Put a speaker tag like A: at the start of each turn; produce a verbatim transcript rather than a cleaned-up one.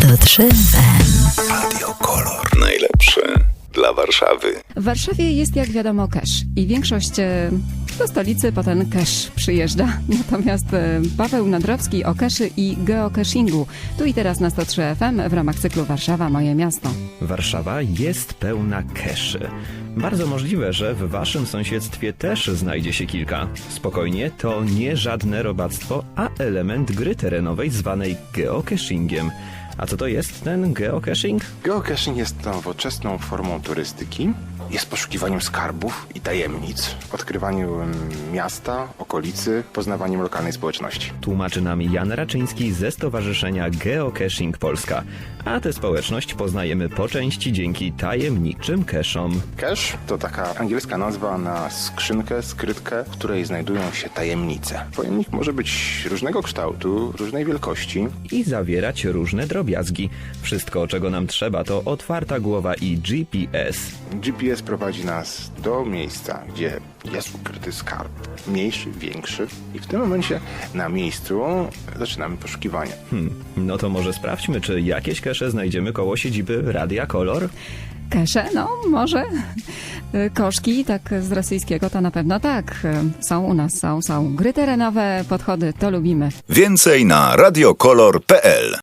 A: sto trzy F M.
B: Radio Kolor. Najlepsze dla Warszawy.
C: W Warszawie jest, jak wiadomo, cash i większość e, do stolicy po ten cash przyjeżdża. Natomiast e, Paweł Nadrowski o caszy i geocachingu. Tu i teraz na sto trzy F M w ramach cyklu Warszawa, moje miasto.
D: Warszawa jest pełna caszy. Bardzo możliwe, że w waszym sąsiedztwie też znajdzie się kilka. Spokojnie, to nie żadne robactwo, a element gry terenowej zwanej geocachingiem. A co to jest ten geocaching?
E: Geocaching jest nowoczesną formą turystyki. Jest poszukiwaniem skarbów i tajemnic, odkrywaniem miasta, okolicy, poznawaniem lokalnej społeczności.
D: Tłumaczy nam Jan Raczyński ze Stowarzyszenia Geocaching Polska. A tę społeczność poznajemy po części dzięki tajemniczym cachom.
E: Cache to taka angielska nazwa na skrzynkę, skrytkę, w której znajdują się tajemnice. Pojemnik może być różnego kształtu, różnej wielkości.
D: I zawierać różne drobiazgi. Wszystko, czego nam trzeba, to otwarta głowa i G P S.
E: G P S prowadzi nas do miejsca, gdzie jest ukryty skarb. Mniejszy, większy. I w tym momencie na miejscu zaczynamy poszukiwania.
D: Hmm, no to może sprawdźmy, czy jakieś cache znajdziemy koło siedziby Radia Kolor?
C: Kesze? No, może. E, Koszki, tak z rosyjskiego to na pewno tak. E, Są u nas, są, są. Gry terenowe, podchody, to lubimy.
B: Więcej na radiokolor kropka p l.